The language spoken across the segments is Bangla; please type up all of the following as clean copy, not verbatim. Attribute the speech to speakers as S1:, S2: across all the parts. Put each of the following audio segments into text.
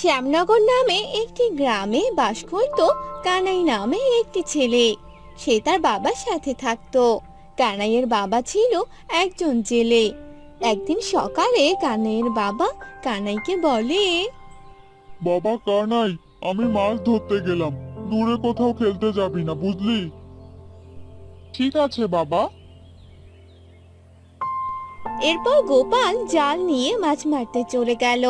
S1: শ্যামনগর নামে একটি গ্রামে বাস করত কানাই নামে একটি ছেলে। সে তার বাবার সাথে থাকতো। কানাইয়ের বাবা ছিল একজন জেলে। একদিন সকালে কানাইয়ের বাবা কানাইকে বলে,
S2: বাবা কানাই, আমি মাছ ধরতে গেলাম। দূরে কোথাও খেলতে যাবি না, বুঝলি? ঠিক আছে বাবা।
S1: এরপর গোপাল জাল নিয়ে মাছ মারতে চলে গেল।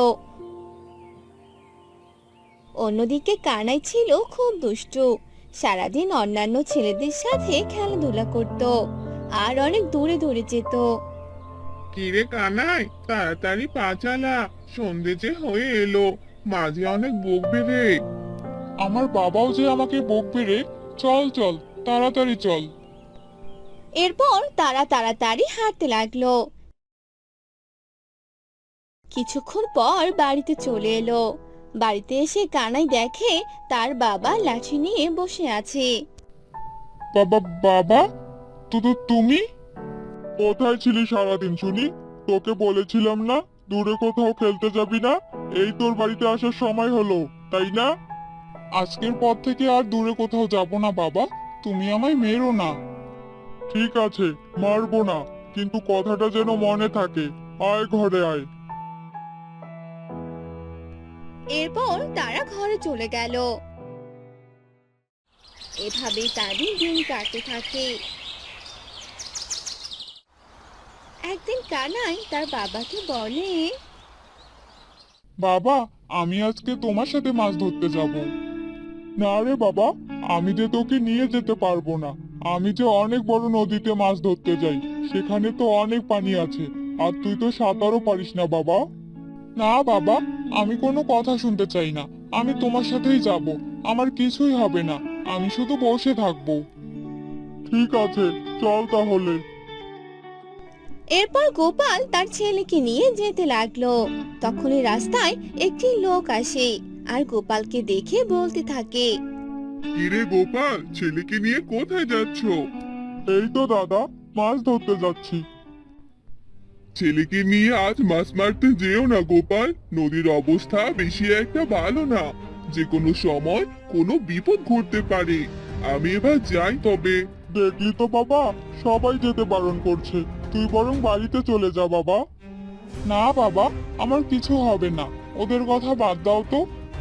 S1: অন্যদিকে কানাই ছিল খুব দুষ্টু। সারাদিন অন্যান্য ছেলেদের সাথে খেলাধুলা করত আর অনেক দূরে দূরে যেত।
S3: কিরে কানাই, তাড়াতাড়ি পা চালা, সন্ধে যে হয়ে এলো, মাঝে অনেক বকবে রে।
S2: আমার বাবাও যে আমাকে বকবে রে। চল চল, তাড়াতাড়ি চল।
S1: এরপর তারা তাড়াতাড়ি হাঁটতে লাগলো। কিছুক্ষণ পর বাড়িতে চলে এলো। বাড়িতে এসে কানাই দেখে তার বাবা লাঠি নিয়ে বসে আছে।
S2: বাবা বাবা, তুমি কোথায় ছিলি সারাদিন শুনি? তোকে বলেছিলাম না দূরে কোথাও খেলতে যাবি না। এই তোর বাড়িতে আসার সময় হলো, তাই না? আজকের পর থেকে আর দূরে কোথাও যাব না বাবা। তুমি আমায় মেরো না। ঠিক আছে, মারবো না, কিন্তু কথাটা যেন মনে থাকে। আয় ঘরে আয়।
S1: এরপর তারা ঘরে চলে গেল। এভাবেই তাদের দিন কাটতে থাকে। একদিন কানাই তার বাবাকে বলে,
S2: বাবা, আমি আজকে তোমার সাথে মাছ ধরতে যাব। না রে বাবা, আমি যে তোকে নিয়ে যেতে পারবো না। আমি যে অনেক বড় নদীতে মাছ ধরতে যাই, সেখানে তো অনেক পানি আছে, আর তুই তো সাঁতারও পারিস না বাবা। না বাবা, আমি কোনো কথা শুনতে চাই না। আমি তোমার সাথেই যাব। আমার কিছুই হবে না, আমি শুধু বসে থাকবো। ঠিক আছে, চল তাহলে।
S1: এরপর গোপাল তার ছেলেকে নিয়ে যেতে লাগলো। তখনই রাস্তায় একটি লোক আসে আর গোপালকে দেখে বলতে থাকে,
S3: কিরে গোপাল, ছেলেকে নিয়ে কোথায় যাচ্ছ?
S2: এই তো দাদা, মাছ ধরতে যাচ্ছি।
S3: ছেলেকে নিয়ে আজ মাছ মারতে যেও না গোপাল, নদীর অবস্থা বেশি একটা ভালো না। যে কোনো সময় কোনো বিপদ ঘটতে পারে। আমি এবার যাই তবে।
S2: দেখলি তো বাবা, সবাই যেতে বারণ করছে। তুই বরং বাড়িতে চলে যা বাবা। না বাবা, আমার কিছু হবে না, ওদের কথা বাদ দাও তো।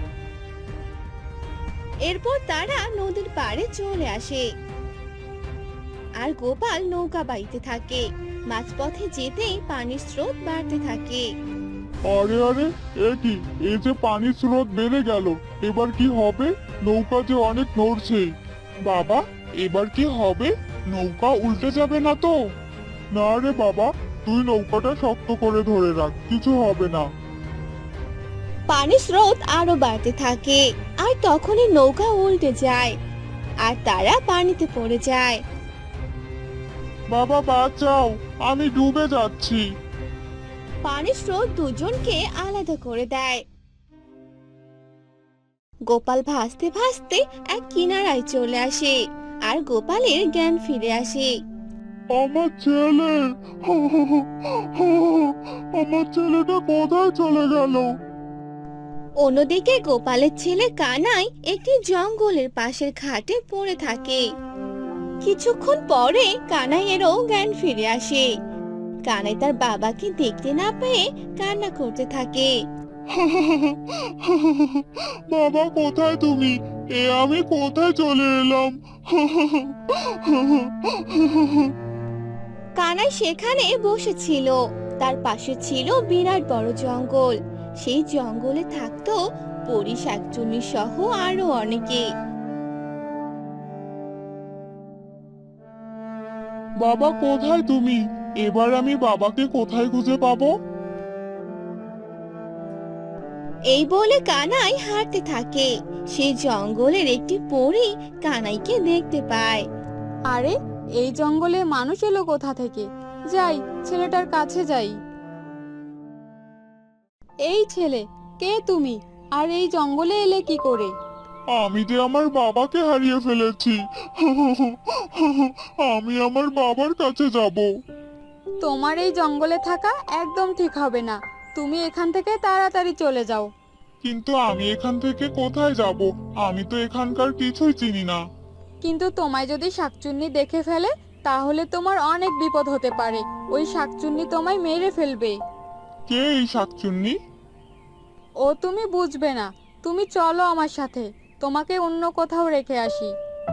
S1: এরপর তারা নদীর পাড়ে চলে আসে আর গোপাল নৌকা বাইতে থাকে। মাঝপথে যেতেই পানির স্রোত বাড়তে থাকে।
S2: আরে আরে, এ কি, এই যে পানির স্রোত বেড়ে গেল, এবার কি হবে? নৌকা যে অনেক নড়ছে। বাবা, এবার কি হবে? নৌকা উল্টে যাবে না তো? না রে বাবা, তুই নৌকাটা শক্ত করে ধরে রাখ, কিছু হবে না।
S1: পানির স্রোত আরো বাড়তে থাকে আর তখনই নৌকা উল্টে যায় আর তারা পানিতে পড়ে যায়।
S2: বাবা বাঁচাও, আমি ডুবে যাচ্ছি।
S1: পানির স্রোত দুজনকে আলাদা করে দেয়। গোপাল ভাসতে ভাসতে এক কিনারায় চলে আসে আর গোপালের জ্ঞান ফিরে আসে।
S2: আমার ছেলে, আমার ছেলেটা কোথায় চলে গেল?
S1: অন্যদিকে গোপালের ছেলে কানাই একটি জঙ্গলের পাশের ঘাটে পড়ে থাকে। কিছুক্ষণ পরে কানাইয়েরও জ্ঞান ফিরে আসে। কানাই তার বাবাকে দেখতে না পেয়ে কান্না করতে থাকে।
S2: বাবা কোথায় তুমি? আমি কোথায় চলে এলাম?
S1: কানাই সেখানে বসেছিল। তার পাশে ছিল বিরাট বড় জঙ্গল। সেই জঙ্গলে থাকতো পরী, শাকচুন্নি সহ আরো অনেকে।
S2: বাবা কোথায় তুমি? এবার আমি বাবাকে কোথায় খুঁজে পাবো?
S1: এই বলে কানাই হাঁটতে থাকে। সেই জঙ্গলের একটি পরী কানাইকে দেখতে পায়।
S4: আরে, এই জঙ্গলে মানুষ এলো কোথা থেকে? যাই, ছেলেটার কাছে যাই। এই ছেলে, কে তুমি? আর এই জঙ্গলে এলে কি করে?
S2: আমি যে আমার বাবাকে হারিয়ে ফেলেছি। আমি আমার বাবার কাছে যাব।
S4: তোমার এই জঙ্গলে থাকা একদম ঠিক হবে না। তুমি এখান থেকে তাড়াতাড়ি চলে যাও।
S2: কিন্তু আমি এখান থেকে কোথায় যাব? আমি তো এখানকার কিছুই চিনি না।
S4: কিন্তু তোমায় যদি শাকচুন্নি দেখে ফেলে তাহলে তোমার অনেক বিপদ হতে পারে। ওই শাকচুন্নি তোমায় মেরে ফেলবে।
S2: কে এই শাকচুন্নি?
S4: ও তুমি বুঝবে না। তুমি চলো আমার সাথে, তোমাকে অন্য কোথাও রেখে আসি।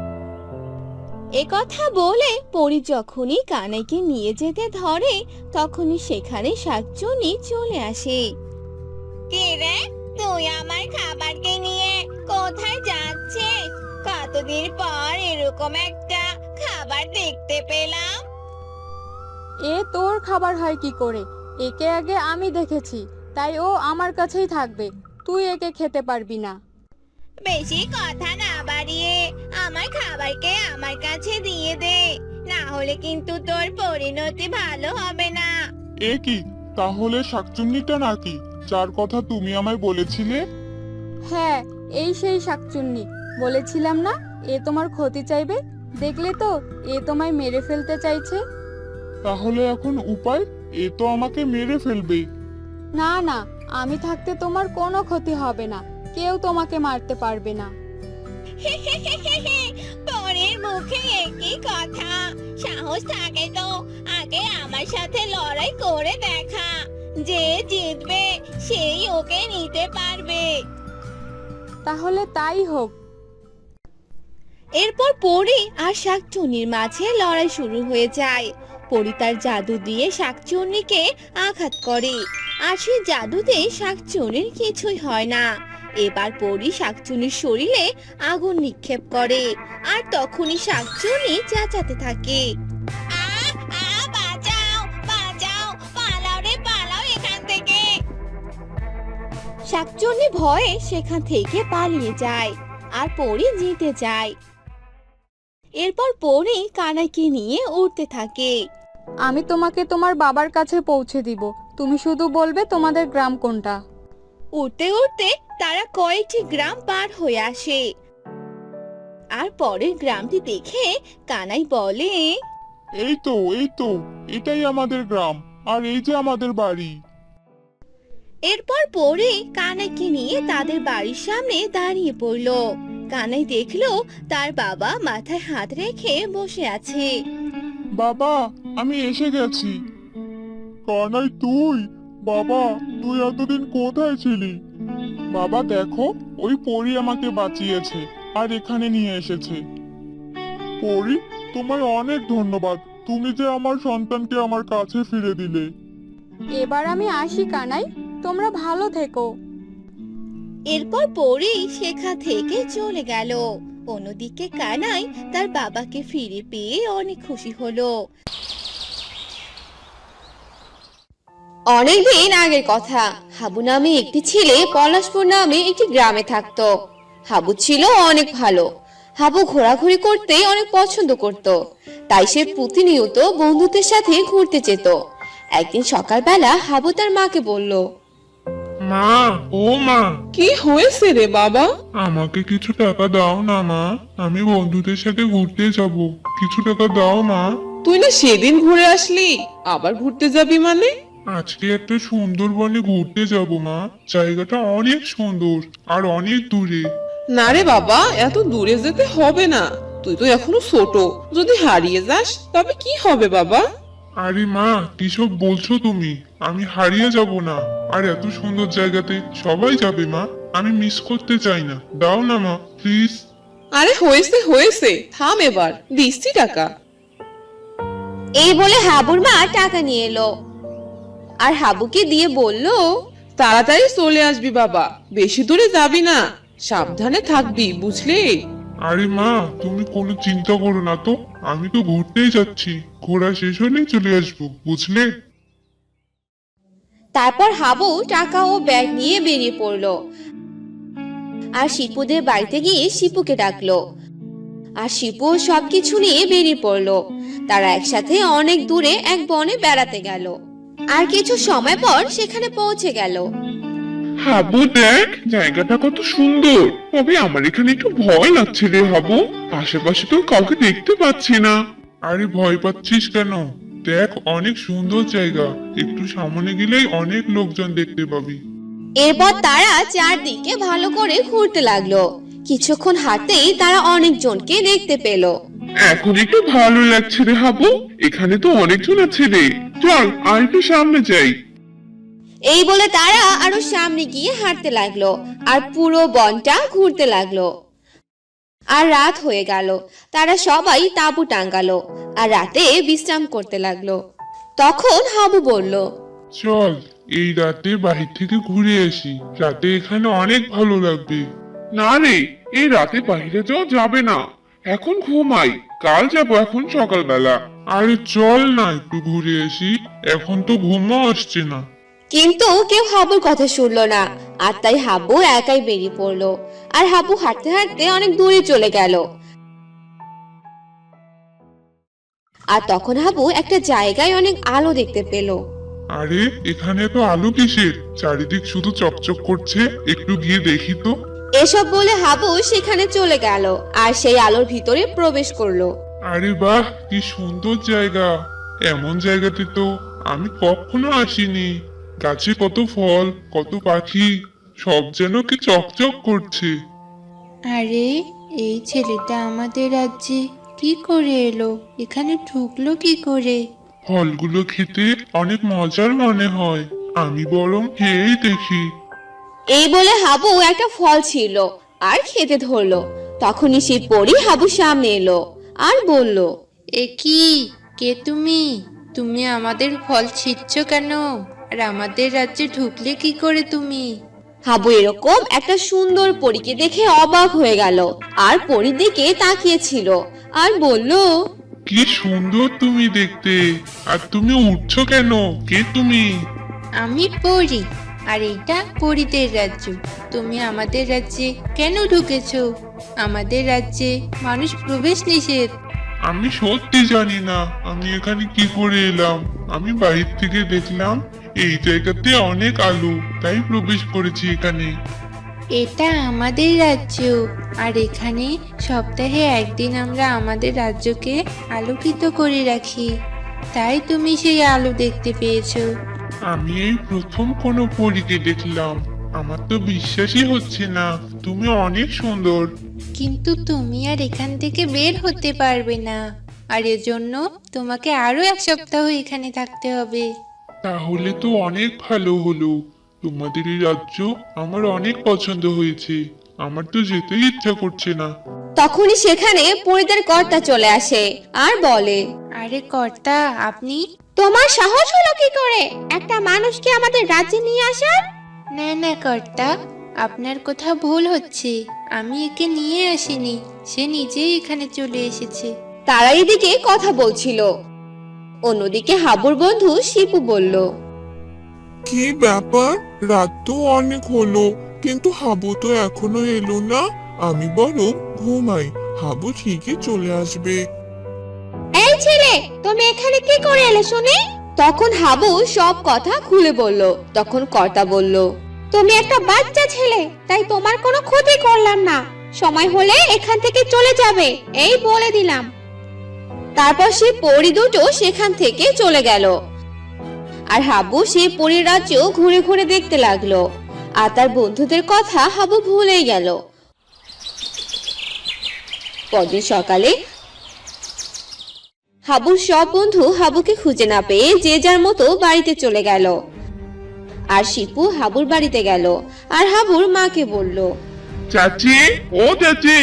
S1: এ কথা বলে পরি যখনই কানাইকে নিয়ে যেতে ধরে তখনই সেখানে শাকচুন্নি চলে আসে। কে রে, তুই আমার খাবারকে নিয়ে কোথায় যাচ্ছিস? কতদিন পর এরকম একটা খাবার দেখতে পেলাম।
S4: এ তোর খাবার হয় কি করে? একে আগে আমি দেখেছি, তাই ও আমার কাছেই থাকবে। তুই একে খেতে পারবি না।
S1: বেশি কথা না বাড়িয়ে আমার খাবারকে আমার কাছে দিয়ে দে, না হলে কিন্তু তোর পরিণতি ভালো হবে না।
S2: এ কি, তাহলে শাকচুন্নিটা নাকি যার কথা তুমি আমায় বলেছিলে?
S4: হ্যাঁ, এই সেই শাকচুন্নি। বলেছিলাম না এ তোমার ক্ষতি চাইবে। দেখলে তো, এ তোমায় মেরে ফেলতে চাইছে।
S2: তাহলে এখন উপায়? এ তো আমাকে মেরে ফেলবে।
S4: না না, আমি থাকতে তোমার কোনো ক্ষতি হবে না। কেউ তোমাকে মারতে পারবে না।
S1: পরের মুখে একই কথা, সাহস থাকে তো আগে আমার সাথে লড়াই করে দেখা। যে জিতবে সেই ওকে নিতে পারবে।
S4: তাহলে তাই হোক।
S1: এরপর পরি আর শাকচুন্নির মাঝে লড়াই শুরু হয়ে যায়। পরি তার জাদু দিয়ে শাকচুন্নিকে আঘাত করে, আর সেই জাদুতে শাকচুন্নির কিছুই হয় না। এবার পরি শাকচুন্নির শরীরে আগুন নিক্ষেপ করে, আর তখনই শাকচুন্নি চেঁচাতে থাকে, আহ আহ, বাঁচাও বাঁচাও, পালাও রে পালাও এখান থেকে। শাকচুন্নি ভয়ে সেখান থেকে পালিয়ে যায়, আর পরি জিতে যায়। এরপর পরি কানাইকে নিয়ে উড়তে থাকে।
S4: আমি তোমাকে তোমার বাবার কাছে পৌঁছে দিব। তুমি শুধু বলবে তোমাদের গ্রাম কোনটা।
S1: উড়তে উড়তে তারা কয়েকটি গ্রাম পার হয়ে আসে, আর পরের গ্রামটি দেখে কানাই বলে,
S2: এই তো এটাই আমাদের গ্রাম, আর এই যে আমাদের বাড়ি।
S1: এরপর পরে কানাইকে নিয়ে তাদের বাড়ির সামনে দাঁড়িয়ে পড়ল। কানাই দেখলো তার বাবা মাথায় হাত রেখে বসে আছে।
S2: বাবা, আমি এসে গেছি। কানাই, তুই? বাবা, তুই এতদিন কোথায় ছিলি? বাবা দেখো, ওই পরী আমাকে বাঁচিয়েছে আর এখানে নিয়ে এসেছে। পরী, তোমায় অনেক ধন্যবাদ। তুমি যে আমার সন্তানকে আমার কাছে ফিরে দিলে।
S4: এবার আমি আসি কানাই, তোমরা ভালো থেকো।
S1: এরপর পরি সেখান থেকে চলে গেল। অন্যদিকে কানাই তার বাবাকে ফিরে পেয়ে অনেক খুশি হলো। অনেকদিন আগের কথা, হাবু নামে একটি ছেলে পলাশপুর নামে একটি গ্রামে থাকতো। হাবু ছিল অনেক ভালো। হাবু ঘোরাঘুরি করতে অনেক পছন্দ করত, তাই সে প্রতিনিয়ত বন্ধুদের সাথে ঘুরতে যেত। একদিন সকালবেলা হাবু তার মাকে বলল,
S2: মা, ও মা,
S5: কি হয়েছে রে বাবা?
S2: আমাকে কিছু টাকা দাও না মা, আমি বন্ধুদের সাথে ঘুরতে যাব। কিছু টাকা দাও মা।
S5: তুই না সেদিন ঘুরে আসলি, আবার ঘুরতে যাবি মানে?
S2: আজকে একটা সুন্দরবনে ঘুরতে যাব মা। জায়গাটা অনেক সুন্দর আর অনেক দূরে।
S5: না রে বাবা, এত দূরে যেতে হবে না। তুই তো এখনো ছোট, যদি হারিয়ে যাস তবে কি হবে বাবা?
S2: আরে মা, কিসব বলছো তুমি? আমি হারিয়ে যাব না। আর এত সুন্দর জায়গাতে সবাই যাবে মা, আমি মিস করতে চাই না। দাও না মা, প্লিজ।
S5: আরে হয়েছে হয়েছে, থাম এবার, দিচ্ছি টাকা।
S1: এই বলে হাবুর মা টাকা নিয়ে এলো আর হাবুকে দিয়ে বলল,
S5: তাড়াতাড়ি চলে আসবি বাবা, বেশি দূরে যাবি না, সাবধানে থাকবি, বুঝলি?
S2: আরে মা, তুমি কোনো চিন্তা করো না তো, আমি তো ঘুরতেই যাচ্ছি। ঘোরা শেষ হলেই চলে আসবো, বুঝলে?
S1: তারপর হাবু টাকা ও ব্যাগ নিয়ে বেরিয়ে পড়লো আর শিপুদের বাড়িতে গিয়ে শিপুকে ডাকলো। আর শিপু সবকিছু নিয়ে বেরিয়ে পড়লো। তারা একসাথে অনেক দূরে এক বনে বেড়াতে গেল, আর কিছু সময় পর সেখানে পৌঁছে গেল।
S3: হাবু দেখ, জায়গাটা কত সুন্দর। তবে আমার এখানে একটু ভয় লাগছে রে হাবু, আশেপাশে তো কাউকে দেখতে পাচ্ছি না।
S2: আরে ভয় পাচ্ছিস কেন? দেখ, অনেক সুন্দর জায়গা। একটু সামনে গেলেই অনেক লোকজন দেখতে পাবি।
S1: এরপর তারা চারদিকে ভালো করে ঘুরতে লাগলো। কিছুক্ষণ হাঁটতেই তারা অনেকজনকে দেখতে পেল।
S3: এখন একটু ভালো লাগছে রে হাবু, এখানে তো অনেকজন আছে রে। চল আর একটু সামনে যাই।
S1: এই বলে তারা আরো সামনে গিয়ে হাঁটতে লাগলো আর পুরো বনটা ঘুরতে লাগলো। আর রাত হয়ে গেল। তারা সবাই তাঁবু টাঙ্গালো আর রাতে বিশ্রাম করতে লাগলো। তখন হাবু বলল,
S2: চল এই রাতে বাহির থেকে ঘুরে আসি, রাতে এখানে অনেক ভালো লাগবে।
S3: না রে, এই রাতে বাইরে যাওয়া যাবে না, এখন ঘুমাই, কাল যাবো এখন সকালবেলা।
S2: আরে চল না একটু ঘুরে আসি, এখন তো ঘুমও আসছে না।
S1: কিন্তু কেউ হাবুর কথা শুনলো না। আর তাই হাবু একাই বেরিয়ে পড়লো। আর হাবু হাঁটতে হাঁটতে অনেক দূরে চলে গেল। আর তখন হাবু একটা জায়গায় অনেক আলো দেখতে পেল।
S2: আরে এখানে তো আলো কিসের, চারিদিক শুধু চকচক করছে, একটু গিয়ে দেখি তো।
S1: এসব বলে হাবু সেখানে চলে গেল আর সেই আলোর ভিতরে প্রবেশ করলো।
S2: আরে বাহ, কি সুন্দর জায়গা! এমন জায়গাতে তো আমি কখনো আসিনি। গাছে কত ফল, কত পাখি, সব যেন কি চকচক করছে।
S6: আরে এই ছেলেটা আমাদের রাজ্যে কি করে এলো? এখানে ঢুকলো কি করে?
S2: ফলগুলো খেতে অনেক মজার মনে হয়, আমি বরং খেয়েই দেখি।
S1: এই বলে হাবু একটা ফল ছিল আর খেতে ধরলো। তখনই সেই পরী হাবুর সামনে এলো আর বলল,
S6: এ কি? কে তুমি? তুমি আমাদের ফল ছিঁড়ছ কেন? আর আমাদের রাজ্যে ঢুকলে কি করে তুমি?
S1: হাবু এরকম একটা সুন্দর পরীকে দেখে অবাক হয়ে গেল আর পরীর দিকে তাকিয়েছিল আর বলল,
S2: কি সুন্দর তুমি দেখতে! আর তুমি উঠছো কেন? কে তুমি?
S6: আমি পড়ি, আর এইটা পরীদের রাজ্য। তুমি আমাদের রাজ্যে কেন ঢুকেছো? আমাদের রাজ্যে মানুষ প্রবেশ নিষেধ।
S2: আমি সত্যি জানি না আমি এখানে কি করে এলাম। আমি বাহির থেকে দেখলাম এই জায়গাতে অনেক আলো, তাই প্রবেশ করেছি এখানে।
S6: এটা আমাদের রাজ্য, আর এখানে সপ্তাহে একদিন আমরা আমাদের রাজ্যকে আলোকিত করে রাখি। তাই তুমি সেই আলো দেখতে পেয়েছো।
S2: আমি এই প্রথম কোনো পরীকে দেখলাম, আমার তো বিশ্বাসই হচ্ছে না। তুমি অনেক সুন্দর।
S6: কিন্তু তুমি আর এখান থেকে বের হতে পারবে না, আর এজন্য তোমাকে আরো এক সপ্তাহ এখানে থাকতে হবে।
S2: তাহলে তো অনেক ভালো হলো। তোমাদের এই রাজ্য আমার অনেক পছন্দ হয়েছে, আমার তো যেতেই ইচ্ছা করছে না।
S1: তখনই সেখানে পরীদের কর্তা চলে আসে আর বলে,
S6: আরে কর্তা, আপনি?
S1: তোমার সাহস হলো কি করে একটা মানুষকে আমাদের রাজ্যে নিয়ে আসার?
S6: না না কর্তা, আপনার কোথাও ভুল হচ্ছে। আমি একে নিয়ে আসিনি, সে নিজেই এখানে চলে এসেছে।
S1: তারা এদিকে কথা বলছিল। অন্যদিকে হাবুর বন্ধু শিপু বলল,
S7: কি ব্যাপার? রাত তো অনেক হলো, কিন্তু হাবু তো এখনো এলো না। আমি বরং ঘুমাই, হাবু ঠিকই চলে আসবে।
S1: এই ছেলে, তুমি এখানে কি করে এলে শুনি? তখন হাবু সব কথা খুলে বলল। তখন কর্তা বলল, তুমি একটা বাচ্চা ছেলে, তাই তোমার কোনো ক্ষতি করলাম না। সময় হলে এখান থেকে চলে যাবে, এই বলে দিলাম। তারপর সে পরী দুটো সেখান থেকে চলে গেল। আর হাবু সেই পরীর রাজ্য ঘুরে ঘুরে দেখতে লাগলো। আর তার বন্ধুদের কথা হাবু ভুলেই গেল। পরদিন সকালে হাবুর সব বন্ধু হাবুকে খুঁজে না পেয়ে যে যার মতো বাড়িতে চলে গেল। আর শিপু হাবুর বাড়িতে গেল আর হাবুর মাকে বলল,
S3: চাচি, ও চাচি।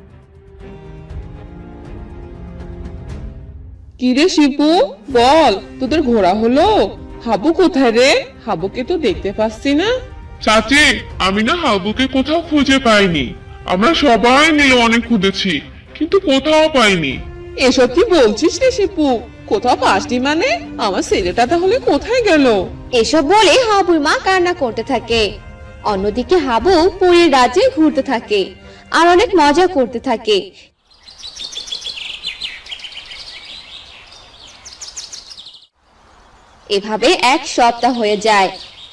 S5: কিরে শিপু, বল, তোদের ঘোরা হলো? হাবু কোথায় রে? হাবুকে তো দেখতে পাচ্ছি না।
S3: চাচি, আমি না হাবুকে কোথাও খুঁজে পাইনি। আমরা সবাই মিলে অনেক খুঁজেছি, কিন্তু কোথাও পাইনি।
S5: এসব কি বলছিস রে শিপু? কোথাও পাসনি মানে? আমার ছেলেটা তাহলে কোথায় গেল?
S1: এসব বলে হাবুর মা কান্না করতে থাকে। অন্যদিকে হাবু পরীর রাজ্যে ঘুরতে থাকে আর অনেক মজা করতে থাকে। এভাবে এক সপ্তাহ হয়ে যায়।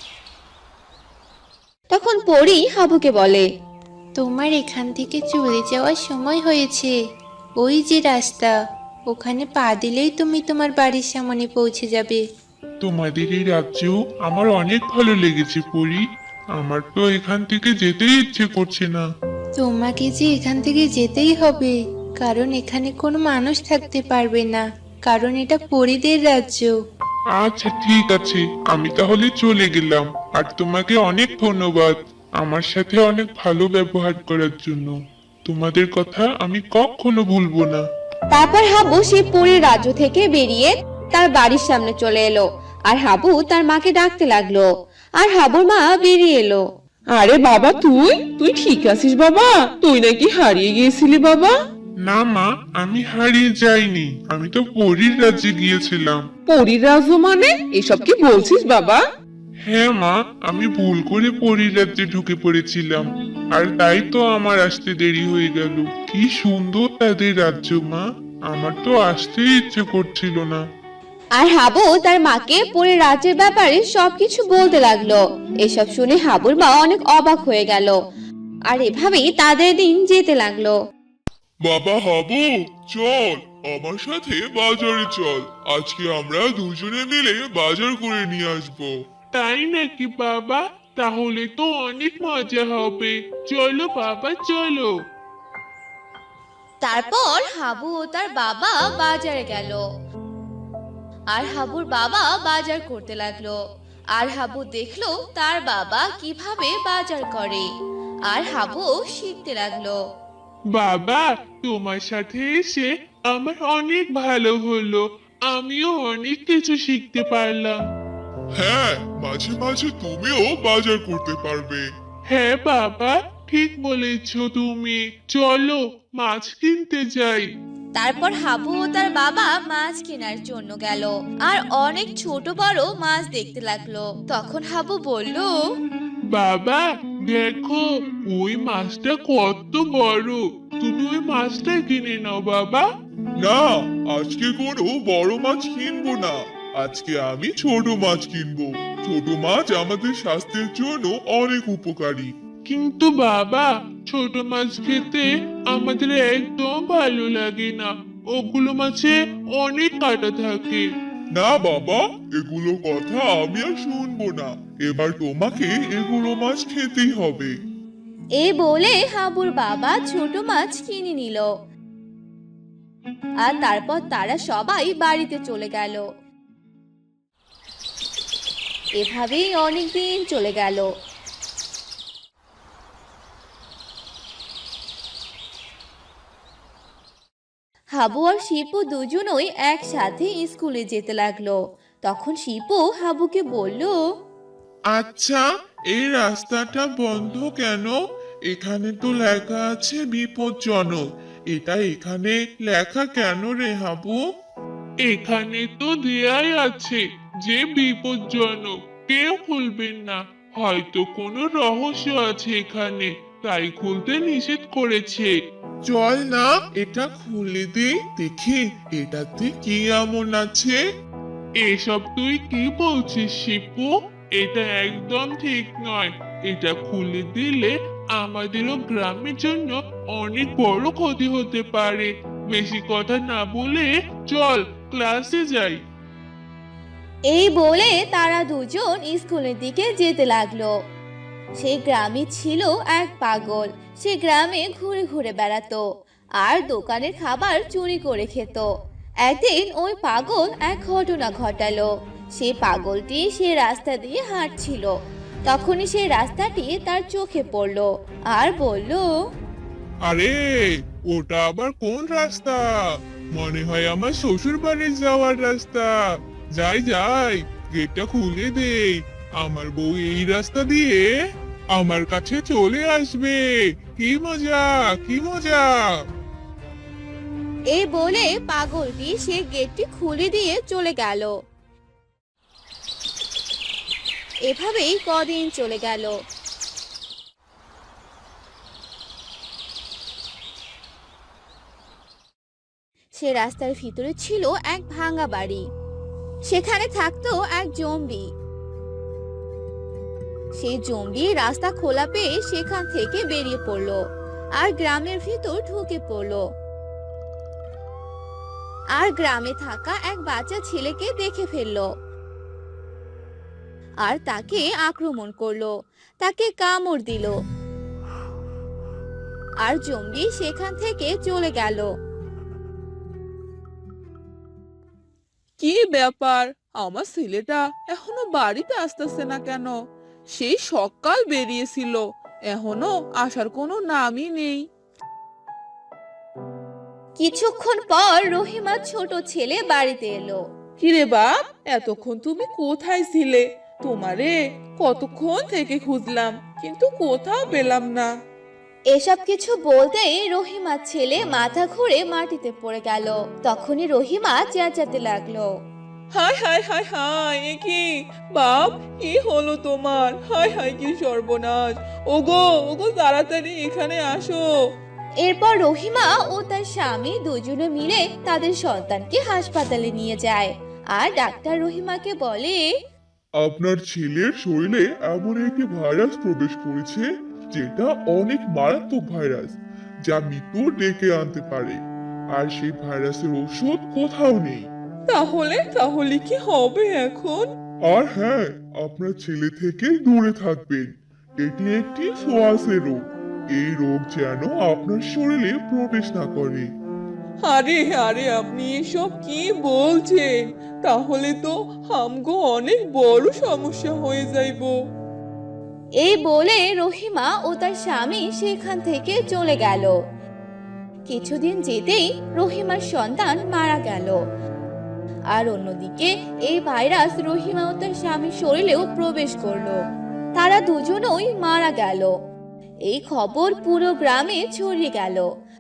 S1: তখন পরী হাবুকে বলে,
S6: তোমার এখান থেকে চলে যাওয়ার সময় হয়েছে। ওই যে রাস্তা, ওখানে পা দিলেই তুমি তোমার বাড়ির সামনে পৌঁছে যাবে।
S2: তোমাদের এই রাজ্য আমার অনেক ভালো লেগেছে পরি।
S7: আমার তো এখান থেকে যেতেই ইচ্ছে করছে না।
S6: তোমাকে যে এখান থেকে যেতেই হবে, কারণ এখানে কোনো মানুষ থাকতে পারবে না, কারণ এটা পরীদের রাজ্য।
S7: আচ্ছা ঠিক আছে, আমি তাহলে চলে গেলাম। আর তোমাকে অনেক ধন্যবাদ আমার সাথে অনেক ভালো ব্যবহার করার জন্য। তোমাদের কথা আমি কখনো ভুলবো না।
S1: তারপর হাবু সেই পরীর রাজ্য থেকে বেরিয়ে তার বাড়ির সামনে চলে এলো, আর হাবু তার মাকে ডাকতে লাগলো, আর হাবুর মা বেরিয়ে এলো।
S5: আরে বাবা, তুই তুই ঠিক আছিস বাবা? তুই নাকি হারিয়ে গিয়েছিলি বাবা?
S7: না মা, আমি হারিয়ে যাইনি, আমি তো পরীর রাজ্যে গিয়েছিলাম।
S5: পরীর রাজ্য মানে? এসব কি বলছিস বাবা?
S7: হ্যাঁ মা, আমি ভুল করে পরীর রাজ্যে ঢুকে পড়েছিলাম, আর তাই তো আমার আসতে দেরি হয়ে গেল। কি সুন্দর তাদের রাজ্য মা, আমার তো আসতেই ইচ্ছে করছিল না।
S1: আর হাবু তার মাকে পরীর রাজ্যের ব্যাপারে সবকিছু বলতে লাগলো। এসব শুনে হাবুর মা অনেক অবাক হয়ে গেল, আর এভাবেই তাদের দিন যেতে লাগলো।
S3: বাবা হাবু, চল আমার সাথে বাজারে চল। আজকে আমরা দুজনে মিলে বাজার করে নিয়ে আসবো।
S7: তাই নাকি বাবা? তাহলে তো অনেক মজা হবে। চলো বাবা চলো।
S1: তারপর হাবু ও তার বাবা বাজারে গেল, আর হাবুর বাবা বাজার করতে লাগলো। আর হাবু দেখলো তার বাবা কিভাবে বাজার করে, আর হাবু শিখতে লাগলো।
S7: বাবা, তোমার সাথে এসে আমার অনেক ভালো হলো, আমিও অনেক কিছু শিখতে পারলাম।
S3: হ্যাঁ, মাঝে মাঝে তুমিও বাজার করতে পারবে।
S7: হ্যাঁ বাবা, ঠিক বলেছো তুমি। চলো মাছ কিনতে যাই।
S1: তারপর হাবু ও তার বাবা মাছ কেনার জন্য গেল, আর অনেক ছোট বড় মাছ দেখতে লাগলো। তখন হাবু বলল,
S7: বাবা দেখো, ওই মাছটা কত বড়, তুমি ওই মাছটা কিনে নাও বাবা।
S3: না, আজকে কোনো বড় মাছ কিনবো না, আজকে আমি ছোট মাছ কিনবো। ছোট মাছ আমাদের স্বাস্থ্যের জন্য অনেক উপকারী।
S7: কিন্তু বাবা, ছোট মাছ খেতে আমাদের একদম ভালো লাগে না, ওগুলো মাছে অনেক কাঁটা থাকে।
S3: না বাবা, এগুলো কথা আমি আর শুনবো না। এবার তোমাকে এগুলো মাছ খেতেই হবে।
S1: এই বলে হাবুর বাবা ছোট মাছ কিনে নিল, আর তারপর তারা সবাই বাড়িতে চলে গেল। এভাবেই অনেক দিন চলে গেল। হাবু আর শিপু দুজনই একসাথে স্কুলে যেতে লাগলো। তখন শিপু হাবুকে বলল,
S7: আচ্ছা, এই রাস্তাটা বন্ধ কেন? এখানে তো লেখা আছে বিপজ্জনক। এটা এখানে লেখা কেন রে হাবু? এখানে তো দেয়াই আছে যে বিপজ্জনক, কেউ খুলবেন না। হয়তো কোনো রহস্য আছে এখানে, তাই খুলতে নিষেধ করেছে। চল না, এটা খুলে দে, দেখি এটাতে কি এমন আছে। এসব তুই কি বলছিস শিপু? এটা একদম ঠিক নয়। এটা খুলে দিলে আমাদেরও গ্রামের জন্য অনেক বড় ক্ষতি হতে পারে। বেশি কথা না বলে চল ক্লাসে যাই।
S1: এই বলে তারা দুজন স্কুলের দিকে যেতে লাগলো। সেই গ্রামে ছিল এক পাগল। সে গ্রামে ঘুরে ঘুরে বেড়াতো আর দোকানের খাবার চুরি করে খেত। একদিন ওই পাগল এক ঘটনা ঘটালো। সে পাগলটি সে রাস্তা দিয়ে হাঁটছিল, তখনই সেই রাস্তাটি তার চোখে পড়লো আর বলল,
S7: আরে, ওটা আবার কোন রাস্তা? মনে হয় আমার শ্বশুর বাড়ি যাওয়ার রাস্তা। যাই যাই, গেটটা খুলে দেই। আমার বউ এই রাস্তা দিয়ে আমার কাছে চলে আসবে। কি মজা, কি মজা!
S1: এই বলে পাগলটি সে গেটটি খুলে দিয়ে চলে গেল। এভাবেই কদিন চলে গেল। সে রাস্তার ভিতরে ছিল এক ভাঙা বাড়ি। সেখানে থাকতো এক জম্বি। সেই জম্বি রাস্তা খোলা পেয়ে সেখান থেকে বেরিয়ে পড়লো আর গ্রামের ভিতর ঢুকে পড়লো। আর গ্রামে থাকা এক বাচ্চা ছেলেকে দেখে ফেললো। আর তাকে আক্রমণ করলো, তাকে কামড় দিল, আর জম্বি সেখান থেকে চলে গেল।
S5: কি ব্যাপার, আমার ছেলেটা এখনো বাড়িতে আসতেছে না কেন? সেই সকাল বেরিয়েছিল, এখনো আসার কোনো নামই নেই।
S1: কিছুক্ষণ পর রহিমার ছোট ছেলে বাড়িতে এলো।
S5: কিরে বাপ, এতক্ষণ তুমি কোথায় ছিলে? তোমারে কতক্ষণ থেকে খুঁজলাম, কিন্তু কোথাও পেলাম না।
S1: এসব কিছু বলতেই রহিমার ছেলে মাথা ঘুরে মাটিতে পড়ে গেল। তখনই রহিমা চেঁচাতে লাগলো।
S5: হায় হায় হায় হায়, এ কি বাপ, কি হলো তোমার? হায় হায়, কি সর্বনাশ! ওগো ওগো, তাড়াতাড়ি এখানে আসো।
S1: এরপর রহিমা ও তার স্বামী দুজনে মিলে তাদের সন্তানকে হাসপাতালে নিয়ে যায়। আর ডাক্তার রহিমাকে বলে,
S3: আপনার ছেলের শরীরে এমন একটি ভাইরাস প্রবেশ করেছে যেটা অনেক মারাত্মক ভাইরাস, যা মৃত্যু ডেকে আনতে পারে। আর সেই ভাইরাসের ওষুধ কোথাও নেই।
S5: তাহলে তাহলে কি হবে এখন?
S3: আর হ্যাঁ, আপনার ছেলে থেকে দূরে থাকবেন। এটি একটি ছোঁয়াচে রোগ। এই রোগ যেন আপনার শরীরে প্রবেশ না করে।
S5: আরে আরে, আপনি এসব কি বলছেন? তাহলে তো আমগো অনেক বড় সমস্যা হয়ে যাইবো।
S1: এই বলে রহিমা ও তার স্বামী সেখান থেকে চলে গেল। কিছুদিন যেতেই রহিমার সন্তান মারা গেল। আর অন্যদিকে এই ভাইরাস রহিমা ও তার স্বামীর শরীরেও প্রবেশ করলো। তারা দুজনই মারা গেল। এই খবর পুরো গ্রামে ছড়িয়ে গেল।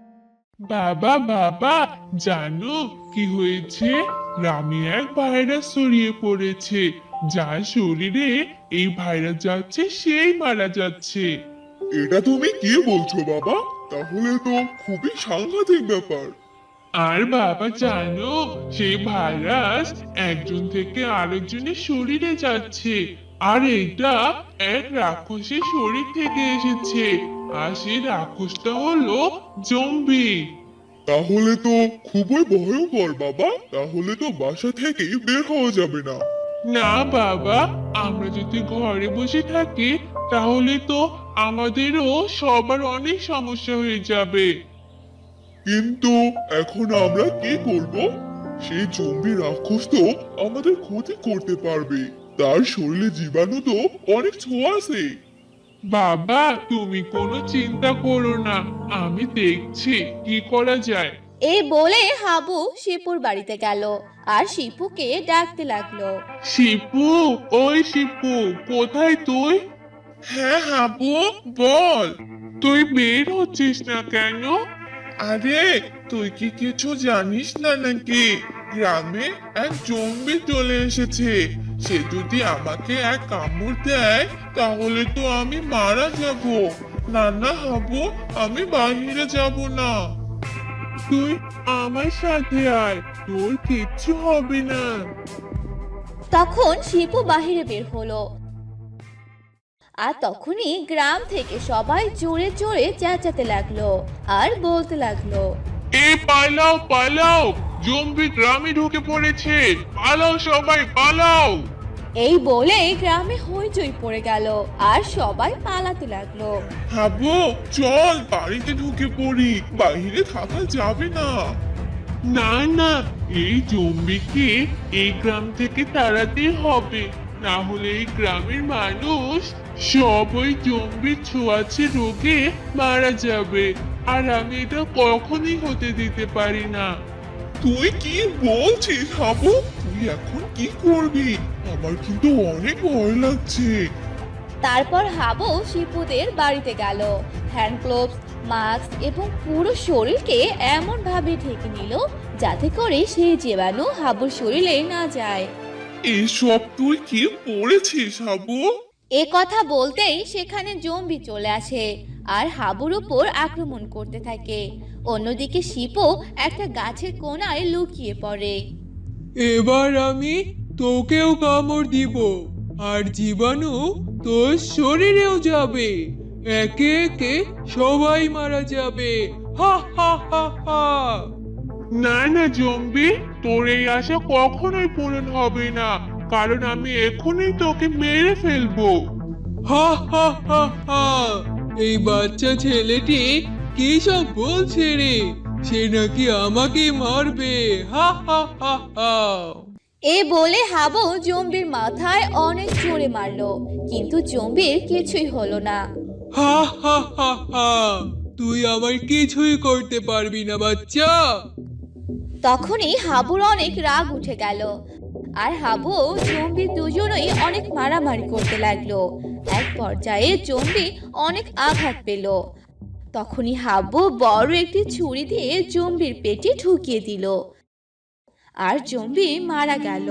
S7: বাবা বাবা, জানো কি হয়েছে? গ্রামে এক ভাইরাস ছড়িয়ে পড়েছে, যার শরীরে এই ভাইরাস যাচ্ছে সেই মারা যাচ্ছে।
S3: এটা তুমি কি বলছো বাবা? তাহলে তো খুবই সাংঘাতিক ব্যাপার।
S7: আর বাবা জানো, সেই ভাইরাস একজন থেকে আরেকজনের শরীরে যাচ্ছে, আর এটা এক রাক্ষসের শরীর থেকে এসেছে। আর সেই রাক্ষসটা হলো জম্বি।
S3: তাহলে তো খুবই ভয়ঙ্কর বাবা। তাহলে তো বাসা থেকে বের হওয়া যাবে না।
S7: না বাবা, আমরা যদি ঘরে বসে থাকি তাহলে তো আমাদেরও সবার অনেক সমস্যা হয়ে যাবে।
S3: কিন্তু এখন আমরা কি করব? সেই জম্বি রাক্ষস তো আমাদের ক্ষতি করতে পারবে। তার শরীরে জীবাণু তো অনেক ছোঁয়াছে।
S7: বাবা, তুমি কোনো চিন্তা করো না, আমি দেখছি কি করা যায়।
S1: এই বলে হাবু শিপুর বাড়িতে গেল আর শিপুকে ডাকতে লাগলো।
S7: শিপু, ওই শিপু, কোথায় তুই? হ্যাঁ হাবু, বল, তুই বের হচ্ছিস না কেন? আরে, তুই কি কিছু জানিস না নাকি? গ্রামে এক জম্বি চলে এসেছে। সে যদি আমাকে এক কামড় দেয় তাহলে তো আমি মারা যাব। না না হাবু, আমি বাইরে যাব না। তুই আমার সাথে আয়, তোর কিচ্ছু হবে না।
S1: তখন শিপু বাহিরে বের হলো। আর তখনই গ্রাম থেকে সবাই জোরে জোরে চেঁচাতে লাগলো আর বলতে লাগলো,
S7: পালাও পালাও, জম্বি গ্রামে ঢুকে পড়েছে, পালাও সবাই পালাও।
S1: এই বলে গ্রামে হইচই পড়ে গেল আর সবাই পালাতে লাগলো।
S7: হাবু, চল বাড়িতে ঢুকে পড়ি, বাইরে থাকা যাবে না। না না, এই জম্বিকে এই গ্রাম থেকে তাড়াতে হবে, না হলে এই গ্রামের মানুষ সব ওই জম্বির ছোঁয়াচে রোগে মারা যাবে, আর আমি এটা কখনোই হতে দিতে পারি না। তুই কি বলছিস হাবু? তুই এখন কি করবি? আমার কিন্তু অনেক ভয় লাগছে।
S1: তারপর হাবু শিপুদের বাড়িতে গেল। হ্যান্ড গ্লোভস, মাস্ক এবং পুরো শরীরকে এমন ভাবে ঢেকে নিল যাতে করে সেই জীবাণু হাবুর শরীরে না যায়।
S7: এসব তুই কি পড়েছিস হাবু?
S1: এ কথা বলতেই সেখানে জম্বি চলে আসে আর হাবুর উপর আক্রমণ করতে থাকে। অন্যদিকে শিপু একটা গাছের কোণায় লুকিয়ে পড়ে।
S8: এবার আমি তোকেও কামড় দিব, আর জীবাণু তোর শরীরেও যাবে। একে একে সবাই মারা যাবে। হা হা হা হা।
S7: না না জম্বি, তোর এই আশা কখনোই পূরণ হবে না, কারণ আমি এখনই তোকে মেরে ফেলবো।
S8: হা হা হা হা, এই বাচ্চা ছেলেটি কি সব বলছে রে? সে নাকি আমাকে মারবে। হা হা হা হা।
S1: এ বলে হাবু জম্বির মাথায় অনেক জোরে মারলো, কিন্তু জম্বির কিছুই হলো না।
S8: হা হা হা হা, তুই আমার কিছুই করতে পারবি না বাচ্চা।
S1: তখনই হাবুর অনেক রাগ উঠে গেল, আর হাবু জম্বি দুজনেই অনেক মারামারি করতে লাগলো। এক পর্যায়ে জম্বি অনেক আঘাত পেল। তখনই হাবু বড় একটি ছুরি দিয়ে জম্বির পেটে ঢুকিয়ে দিল, আর জম্বি মারা গেল।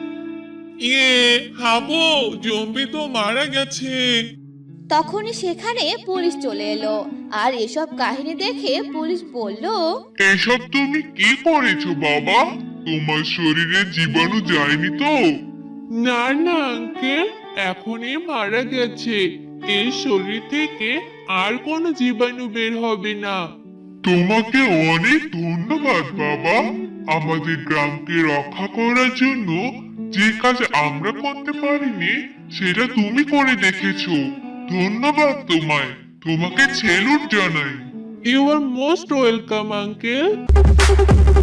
S7: হাবু, জম্বি তো মারা গেছে।
S1: তখনই সেখানে পুলিশ চলে এলো, আর এসব কাহিনী দেখে পুলিশ বলল,
S3: এসব তুমি কি করেছো বাবা? তোমার শরীরে জীবাণু যায়নি তো?
S7: না না আঙ্কেল, এখনই মারা গেছে। এই শরীর থেকে আর কোনো জীবাণু বের হবে না।
S3: তোমাকে অনেক ধন্যবাদ বাবা। আমাদের গ্রামকে রক্ষা করার জন্য যে কাজ আমরা করতে পারিনি সেটা তুমি করে দেখেছো। ধন্যবাদ তোমায়। তোমাকে সেলুট জানাই।
S7: You are most welcome uncle.